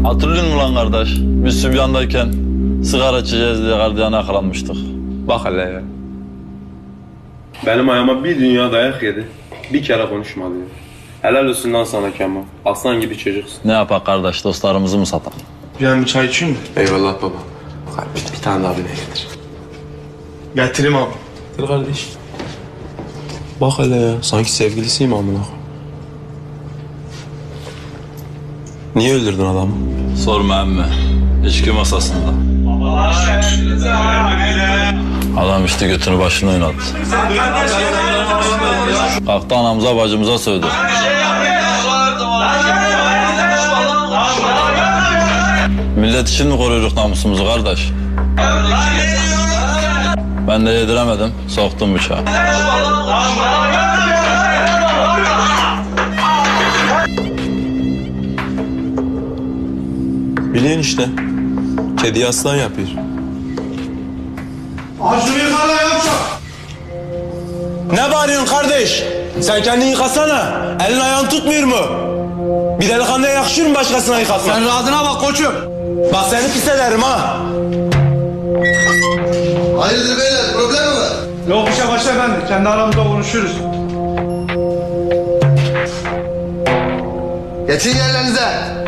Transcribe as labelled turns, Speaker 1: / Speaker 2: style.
Speaker 1: Hatırlıyor musun lan kardeş? Biz Sübyan'dayken sigara içeceğiz diye gardiyana yakalanmıştık.
Speaker 2: Bak hele ya. Benim ayağıma bir dünya dayak yedi. Bir kere konuşmadı ya. Helal olsun lan sana Kemal. Aslan gibi çocuksun.
Speaker 1: Ne yapak kardeş, dostlarımızı mı satalım?
Speaker 3: Ben bir çay içeyim mi?
Speaker 2: Eyvallah baba. Bir tane daha bile getir.
Speaker 3: Getireyim abi.
Speaker 2: Getir kardeş. Bak hele ya. Sanki sevgilisiyim amına. Niye öldürdün adamı?
Speaker 1: Sorma emmi. İçki masasında. Adam işte götünü başına oynattı. Kalktı anamıza bacımıza sövdü. Millet için mi koruyorduk namusumuzu kardeş? Ben de yediremedim, soktum bıçağı.
Speaker 2: Biliyorsun işte. Kedi aslan yapıyor.
Speaker 3: Ağzını yıkala yavşak.
Speaker 2: Ne bağırıyorsun kardeş? Sen kendini yıkasana. Elin ayağın tutmuyor mu? Bir delikanlıya yakışır mı başkasına yıkatmak?
Speaker 3: Sen rahatına bak koçum.
Speaker 2: Bak seni pis ederim ha.
Speaker 4: Hayırdır beyler, problem mi var?
Speaker 3: Yok bir şey başla efendi. Kendi aramızda konuşuruz.
Speaker 4: Geçin yerlerinize.